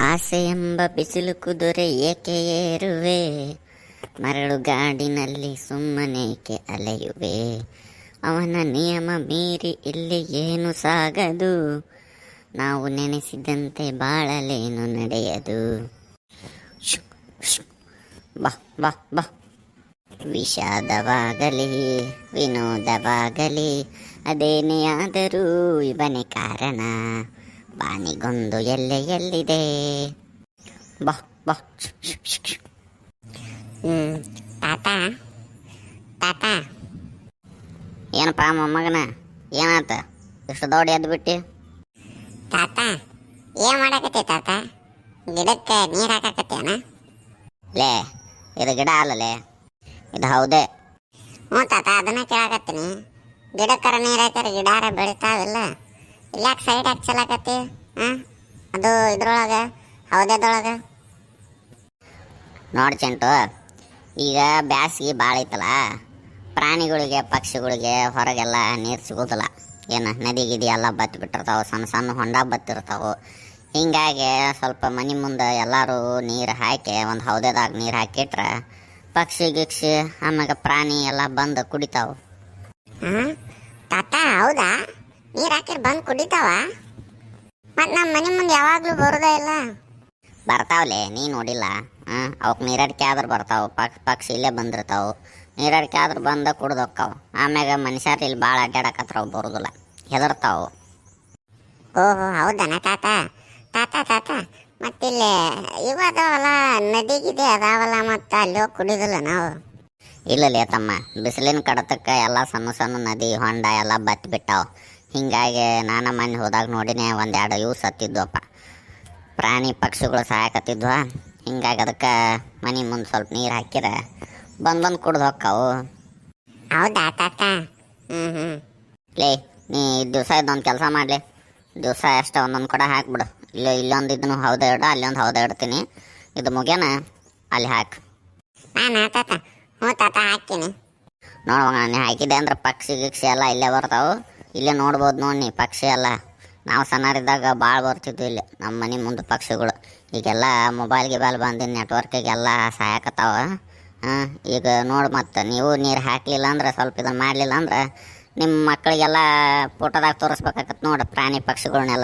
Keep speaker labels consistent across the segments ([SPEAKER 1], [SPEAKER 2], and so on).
[SPEAKER 1] ಆಸೆ ಎಂಬ ಬಿಸಿಲು ಕುದುರೆ ಏಕೆ ಏರುವೆ, ಮರಳು ಗಾಡಿನಲ್ಲಿ ಸುಮ್ಮನೇಕೆ ಅಲೆಯುವೆ. ಅವನ ನಿಯಮ ಮೀರಿ ಇಲ್ಲಿ ಏನು ಸಾಗದು, ನಾವು ನೆನೆಸಿದಂತೆ ಬಾಳಲೇನು ನಡೆಯದು. ಬಾ ಬಾ ಬಾ. ವಿಷಾದವಾಗಲಿ ವಿನೋದವಾಗಲಿ ಅದೇನೇ ಆದರೂ ಇವನೇ ಕಾರಣ. ಬಾನಿಗೊಂದು ಎಲ್ಲೆಯಲ್ಲಿದೆ. ಬಾ ಬಾ.
[SPEAKER 2] ತಾತ ತಾತ
[SPEAKER 1] ಏನಪ್ಪ ಮೊಮ್ಮಗನ, ಏನಾತ ಇಷ್ಟು ದೊಡ್ಡ ಎದ್ದು ಬಿಟ್ಟು?
[SPEAKER 2] ತಾತ ಏನ್ ಮಾಡಾಕತ್ತಿ ತಾತ? ಗಿಡಕ್ಕೆ ನೀರು ಹಾಕಾಕತ್ತೇನ?
[SPEAKER 1] ಲೇ, ಇದು ಗಿಡ ಅಲ್ಲಲೇ, ಇದು ಹೌದೇ.
[SPEAKER 2] ಹ್ಞೂ ತಾತ, ಅದನ್ನ ಕೇಳಾಕತ್ತೀನಿ. ಗಿಡಕ್ಕರ ನೀರು ಹಾಕ್ಯಾರ ಗಿಡಾರ ಬೆಳಿತಾವಿಲ್ಲ, ಇಲ್ಲಾಕೆ ಸೈಡ್ ಹಾಕಿ ಚಲಾಕತ್ತಿ? ಅದು ಇದ್ರೊಳಗೆ ಹೌದೇದೊಳಗೆ
[SPEAKER 1] ನೋಡಿ ಚೆಂಟು, ಈಗ ಬ್ಯಾಸಿಗೆ ಭಾಳ ಐತಲ್ಲ, ಪ್ರಾಣಿಗಳಿಗೆ ಪಕ್ಷಿಗಳಿಗೆ ಹೊರಗೆಲ್ಲ ನೀರು ಸಿಗೋದಿಲ್ಲ. ಏನು ನದಿ ಗಿದಿ ಎಲ್ಲ ಬತ್ತಿ ಬಿಟ್ಟಿರ್ತಾವೆ, ಸಣ್ಣ ಸಣ್ಣ ಹೊಂಡ ಬತ್ತಿರ್ತಾವೆ. ಹಿಂಗಾಗಿ ಸ್ವಲ್ಪ ಮನೆ ಮುಂದೆ ಎಲ್ಲರೂ ನೀರು ಹಾಕಿ ಒಂದು ಹೌದೇದಾಗ ನೀರು ಹಾಕಿಟ್ರೆ ಪಕ್ಷಿ ಗಿಕ್ಷಿ ಆಮ್ಯಾಗ ಪ್ರಾಣಿ ಎಲ್ಲ ಬಂದು ಕುಡಿತಾವೆ.
[SPEAKER 2] ತಾತ ಹೌದಾ? ನೀರು ಹಾಕಿರ್ ಬಂದು ಕುಡಿತಾವ? ಮತ್ತು ನಮ್ಮ ಮನೆ ಮುಂದೆ ಯಾವಾಗಲೂ ಬರೋದೇ ಇಲ್ಲ.
[SPEAKER 1] ಬರ್ತಾವಲೆ, ನೀ ನೋಡಿಲ್ಲ? ಅವಕ್ಕೆ ನೀರಡಿಕೆ ಆದ್ರೆ ಬರ್ತಾವೆ, ಪಕ್ಷಿ ಇಲ್ಲೇ ಬಂದಿರ್ತಾವೆ. ನೀರಡಿಕೆ ಆದ್ರೆ ಬಂದು ಕುಡ್ದು ಹೋಕ್ಕಾವು. ಆಮ್ಯಾಗ ಮನುಷ್ಯರು ಇಲ್ಲಿ ಭಾಳ ಅಡ್ಡಾಡಕತ್ರ ಬರೋದಿಲ್ಲ, ಹೆದರ್ತಾವು.
[SPEAKER 2] ಓಹೋ ಹೌದನ ತಾತ? ತಾತ ತಾತ ಮತ್ತಿಲ್ಲಿ ಇವು ಅದಾವಲ್ಲ, ನದಿಗಿದೆ ಅದಾವಲ್ಲ, ಮತ್ತು ಅಲ್ಲಿ ಹೋಗಿ ಕುಡಿಯೋದಿಲ್ಲ ನಾವು?
[SPEAKER 1] ಇಲ್ಲಲೇ ತಮ್ಮ, ಬಿಸಿಲಿನ ಕಡತಕ್ಕೆ ಎಲ್ಲ ಸಣ್ಣ ಸಣ್ಣ ನದಿ ಹೊಂಡ ಎಲ್ಲ ಬತ್ತಿ ಬಿಟ್ಟಾವು. ಹಿಂಗಾಗಿ ನಾನು ಮನೆ ಹೋದಾಗ ನೋಡಿನೇ ಒಂದೆರಡು ಇವು ಸತ್ತಿದ್ವಪ್ಪ, ಪ್ರಾಣಿ ಪಕ್ಷಿಗಳು ಸಾಯಕತ್ತಿದ್ವ. ಹಿಂಗಾಗಿ ಅದಕ್ಕೆ ಮನೆ ಮುಂದೆ ಸ್ವಲ್ಪ ನೀರು ಹಾಕಿದ್ರೆ ಬಂದು ಕುಡ್ದು ಹೋಕ್ಕಾವು.
[SPEAKER 2] ಹೌದಾ ತಾತ?
[SPEAKER 1] ಲೇ, ನೀ ದಿವಸ ಇದೊಂದು ಕೆಲಸ ಮಾಡಲಿ, ದಿವಸ ಅಷ್ಟೇ ಒಂದೊಂದು ಕೊಡ ಹಾಕ್ಬಿಡು. ಇಲ್ಲೊಂದು ಇದನ್ನು ಹೌದಾ ಇಡ, ಅಲ್ಲೊಂದು ಹೌದಾ ಇಡ್ತೀನಿ. ಇದು ಮುಗ್ಯಾನ ಅಲ್ಲಿ ಹಾಕಿ.
[SPEAKER 2] ನಾನು ತಾತ? ಹ್ಞೂ ತಾತ ಹಾಕ್ತೀನಿ.
[SPEAKER 1] ನೋಡುವಾಗ ನೀ ಹಾಕಿದೆ ಅಂದ್ರೆ ಪಕ್ಷಿ ಗಿಕ್ಷಿ ಎಲ್ಲ ಇಲ್ಲೇ ಬರ್ತಾವೆ. ಇಲ್ಲೇ ನೋಡ್ಬೋದು ನೋಡಿ ನೀ ಪಕ್ಷಿ ಎಲ್ಲ. ನಾವು ಸಣ್ಣರಿದ್ದಾಗ ಭಾಳ ಬರ್ತಿದ್ವಿ ಇಲ್ಲಿ ನಮ್ಮ ಮನೆ ಮುಂದೆ ಪಕ್ಷಿಗಳು. ಈಗೆಲ್ಲ ಮೊಬೈಲ್ ಗಿಬೈಲ್ ಬಂದಿದ್ದು ನೆಟ್ವರ್ಕಿಗೆಲ್ಲ ಸಾಯಕತ್ತಾವ. ಈಗ ನೋಡಿ, ಮತ್ತು ನೀವು ನೀರು ಹಾಕಲಿಲ್ಲ ಅಂದ್ರೆ, ಸ್ವಲ್ಪ ಇದನ್ನು ಮಾಡಲಿಲ್ಲ ಅಂದ್ರೆ ನಿಮ್ಮ ಮಕ್ಕಳಿಗೆಲ್ಲ ಫೋಟೋದಾಗ ತೋರಿಸ್ಬೇಕಾಗತ್ತೆ ನೋಡಿ ಪ್ರಾಣಿ ಪಕ್ಷಿಗಳನ್ನೆಲ್ಲ.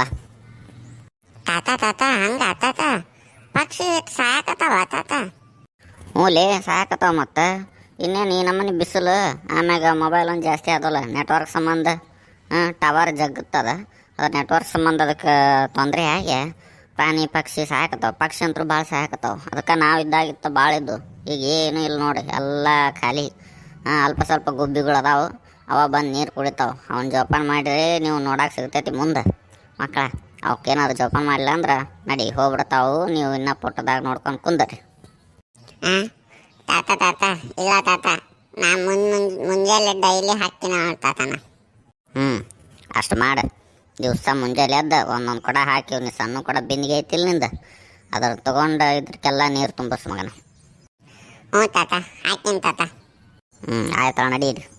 [SPEAKER 2] ತಾತ ತಾತ ಹಂಗ ತಾತ? ಪಕ್ಷಿ ಸಾಯಕತ್ತಾವ ತಾತ?
[SPEAKER 1] ಹ್ಞೂ ಸಾಯಕತ್ತಾವ. ಮತ್ತು ಇನ್ನೇನು ಈ ನಮ್ಮನೆ ಬಿಸಿಲು, ಆಮ್ಯಾಗ ಮೊಬೈಲ್ ಒಂದು ಜಾಸ್ತಿ ಆದಲ್ಲ ನೆಟ್ವರ್ಕ್ ಸಂಬಂಧ. ಟವರ್ ಜಗ್ಗುತ್ತದ, ಅದು ನೆಟ್ವರ್ಕ್ ಸಂಬಂಧ ಅದಕ್ಕೆ ತೊಂದರೆ ಆಗಿ ಪ್ರಾಣಿ ಪಕ್ಷಿ ಸಾಯಕತ್ತಾವ. ಪಕ್ಷಿ ಅಂತೂ ಭಾಳ ಸಾಯಕತ್ತಾವ. ಅದಕ್ಕೆ ನಾವು ಇದ್ದಾಗಿತ್ತು ಭಾಳ ಇದ್ದು, ಈಗ ಏನೂ ಇಲ್ಲ ನೋಡಿ, ಎಲ್ಲ ಖಾಲಿ. ಅಲ್ಪ ಸ್ವಲ್ಪ ಗುಬ್ಬಿಗಳು ಅದಾವೆ, ಅವ ಬಂದು ನೀರು ಕುಡಿತಾವೆ. ಅವನ್ನ ಜೋಪಾನ ಮಾಡಿರಿ, ನೀವು ನೋಡಕ್ಕೆ ಸಿಗ್ತೈತಿ ಮುಂದೆ ಮಕ್ಕಳ. ಅವಕ್ಕೇನಾದ್ರು ಜೋಪಾನ ಮಾಡಿಲ್ಲ ಅಂದ್ರೆ ನಡಿ ಹೋಗ್ಬಿಡ್ತಾವು. ನೀವು ಇನ್ನೂ ಪುಟ್ಟದಾಗ ನೋಡ್ಕೊಂಡು ಕುಂದರಿ.
[SPEAKER 2] ತಾತ ತಾತ ಇಲ್ಲ ತಾತ, ನಾ ಮುಂಜಾನೆ ಡೈಲಿ ಹಾಕ್ತೀನಿ ತಾತನ.
[SPEAKER 1] ಅಷ್ಟು ಮಾಡು. ದಿವಸ ಮುಂಜಾನೆ ಎದ್ದು ಒಂದೊಂದು ಕೊಡ ಹಾಕಿ, ನೀವು ಸಣ್ಣ ಕೊಡ ಬಿಂದಿಗೆ ಐತಿಲ್ಲ ನಿಂದ, ಅದ್ರ ತೊಗೊಂಡು ಇದಕ್ಕೆಲ್ಲ ನೀರು ತುಂಬಿಸ್ ಮಗನ.
[SPEAKER 2] ಹ್ಞೂ ತಾತ, ಹಾಕ್ತೀನಿ ತಾತ.
[SPEAKER 1] ಆಯ್ತು, ನಡೀರಿ.